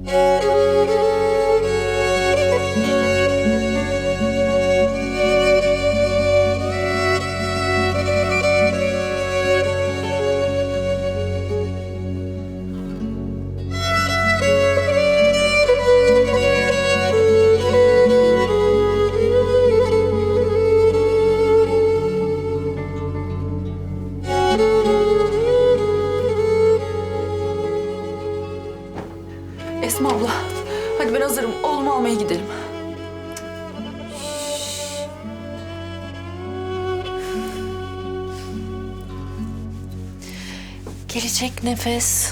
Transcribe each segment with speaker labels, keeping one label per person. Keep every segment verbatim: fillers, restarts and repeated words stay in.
Speaker 1: Esma abla, hadi ben hazırım. Oğlumu almaya gidelim.
Speaker 2: Gelecek Nefes.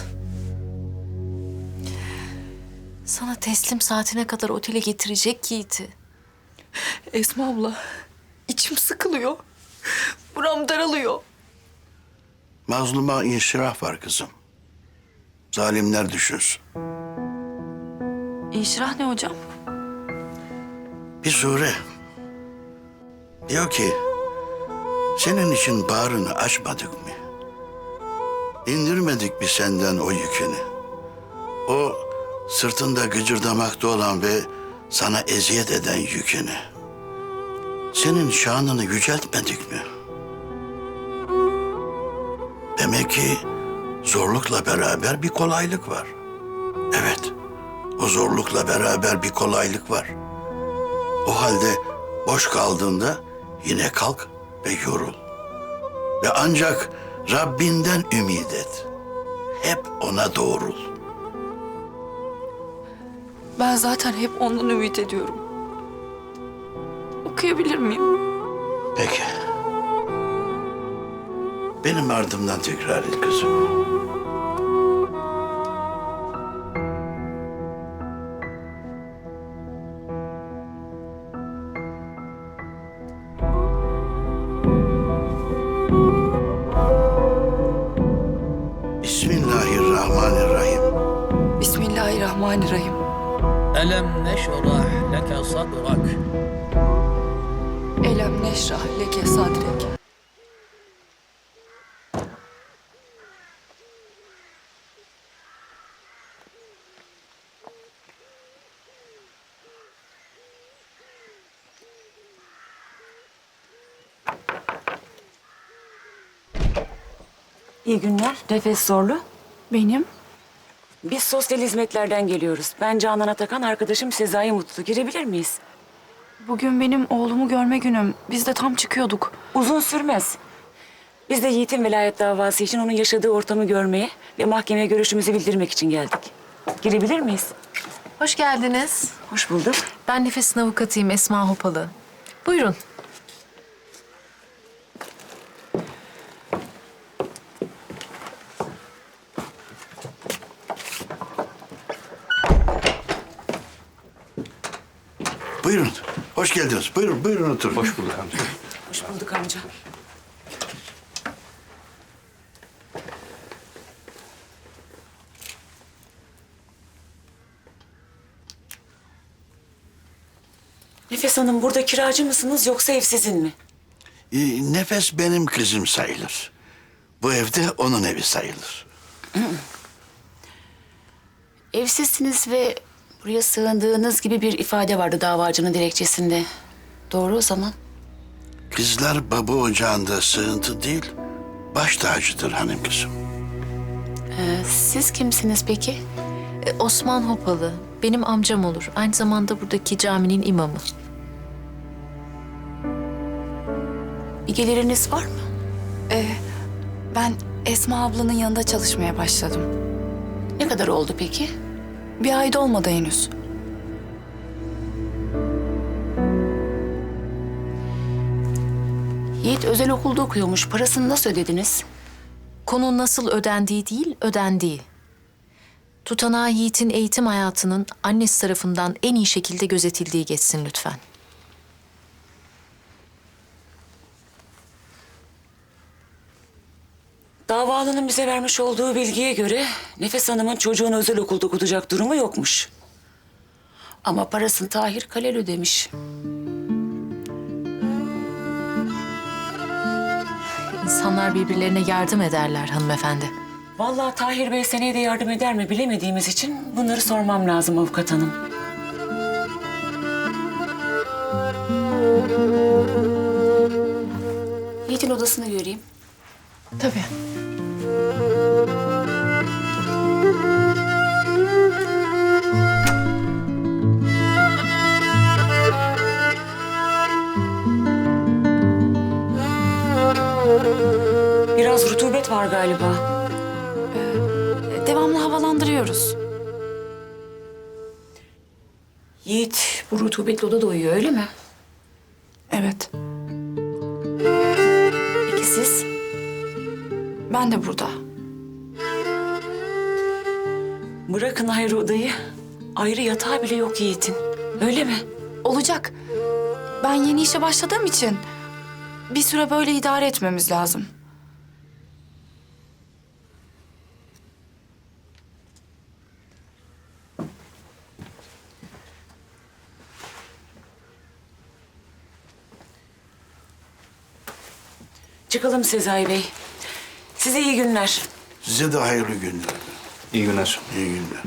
Speaker 2: Sana teslim saatine kadar otele getirecek Yiğit'i.
Speaker 1: Esma abla, içim sıkılıyor. Buram daralıyor.
Speaker 3: Mazluma inşirah var kızım. Zalimler düşünsün.
Speaker 1: İnşirah ne hocam?
Speaker 3: Bir sure. Diyor ki, senin için bağrını açmadık mı? İndirmedik mi senden o yükünü? O sırtında gıcırdamakta olan ve sana eziyet eden yükünü. Senin şanını yüceltmedik mi? Demek ki zorlukla beraber bir kolaylık var. Evet, o zorlukla beraber bir kolaylık var. O halde boş kaldığında yine kalk ve yorul. Ve ancak Rabbinden ümit et. Hep ona doğrul.
Speaker 1: Ben zaten hep ondan ümit ediyorum. Okuyabilir miyim?
Speaker 3: Peki. Benim ardımdan tekrar et kızım. Bismillahirrahmanirrahim.
Speaker 1: Bismillahirrahmanirrahim.
Speaker 4: ألم نشرح لك صدرك
Speaker 1: Elem neşrah leke sadrek.
Speaker 5: İyi günler. Nefes Zorlu.
Speaker 1: Benim?
Speaker 5: Biz sosyal hizmetlerden geliyoruz. Ben Canan Atakan, arkadaşım Sezai Mutlu. Girebilir miyiz?
Speaker 1: Bugün benim oğlumu görme günüm. Biz de tam çıkıyorduk.
Speaker 5: Uzun sürmez. Biz de Yiğit'in velayet davası için onun yaşadığı ortamı görmeye ve mahkemeye görüşümüzü bildirmek için geldik. Girebilir miyiz?
Speaker 2: Hoş geldiniz.
Speaker 5: Hoş bulduk.
Speaker 2: Ben Nefes'in avukatıyım Esma Hopalı. Buyurun.
Speaker 3: Buyurun. Hoş geldiniz. Buyurun, buyurun oturun. Hoş bulduk amca.
Speaker 5: Hoş bulduk amca. Nefes Hanım, burada kiracı mısınız yoksa ev sizin mi?
Speaker 3: Ee, Nefes benim kızım sayılır. Bu evde onun evi sayılır.
Speaker 5: Evsizsiniz ve buraya sığındığınız gibi bir ifade vardı davacının dilekçesinde. Doğru o zaman.
Speaker 3: Kızlar baba ocağında sığıntı değil, baş tacıdır hanım kızım.
Speaker 5: Ee, siz kimsiniz peki?
Speaker 2: Ee, Osman Hopalı. Benim amcam olur. Aynı zamanda buradaki caminin imamı.
Speaker 5: Bir geliriniz var mı?
Speaker 1: Ee, ben Esma ablanın yanında çalışmaya başladım.
Speaker 5: Ne kadar oldu peki?
Speaker 1: Bir ayda olmadı henüz.
Speaker 5: Yiğit özel okulda okuyormuş. Parasını nasıl ödediniz?
Speaker 2: Konu nasıl ödendiği değil, ödendiği. Tutanağı Yiğit'in eğitim hayatının annesi tarafından en iyi şekilde gözetildiği geçsin lütfen.
Speaker 5: Davalının bize vermiş olduğu bilgiye göre Nefes Hanım'ın çocuğunu özel okulda okutacak durumu yokmuş. Ama parasını Tahir Kalel ödemiş.
Speaker 2: İnsanlar birbirlerine yardım ederler hanımefendi.
Speaker 5: Vallahi Tahir Bey seneye de yardım eder mi bilemediğimiz için bunları sormam lazım avukat hanım. Yiğit'in odasını göreyim.
Speaker 1: Tabii.
Speaker 5: Biraz rutubet var galiba.
Speaker 1: Devamlı havalandırıyoruz.
Speaker 5: Yiğit bu rutubetli odada uyuyor öyle mi?
Speaker 1: Evet.
Speaker 5: Peki siz?
Speaker 1: Ben de burada.
Speaker 5: Bırakın ayrı odayı. Ayrı yatağı bile yok Yiğit'in. Öyle mi?
Speaker 1: Olacak. Ben yeni işe başladığım için bir süre böyle idare etmemiz lazım.
Speaker 5: Çıkalım Sezai Bey. Size iyi günler.
Speaker 3: Size de hayırlı günler.
Speaker 6: İyi günler.
Speaker 3: İyi günler.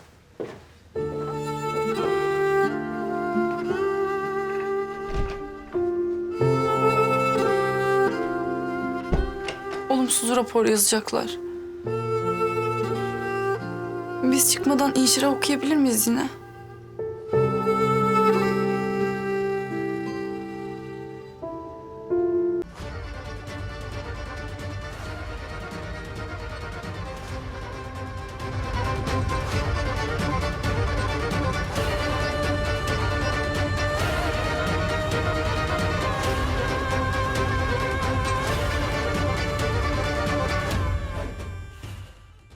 Speaker 1: Olumsuz rapor yazacaklar. Biz çıkmadan inşire okuyabilir miyiz yine?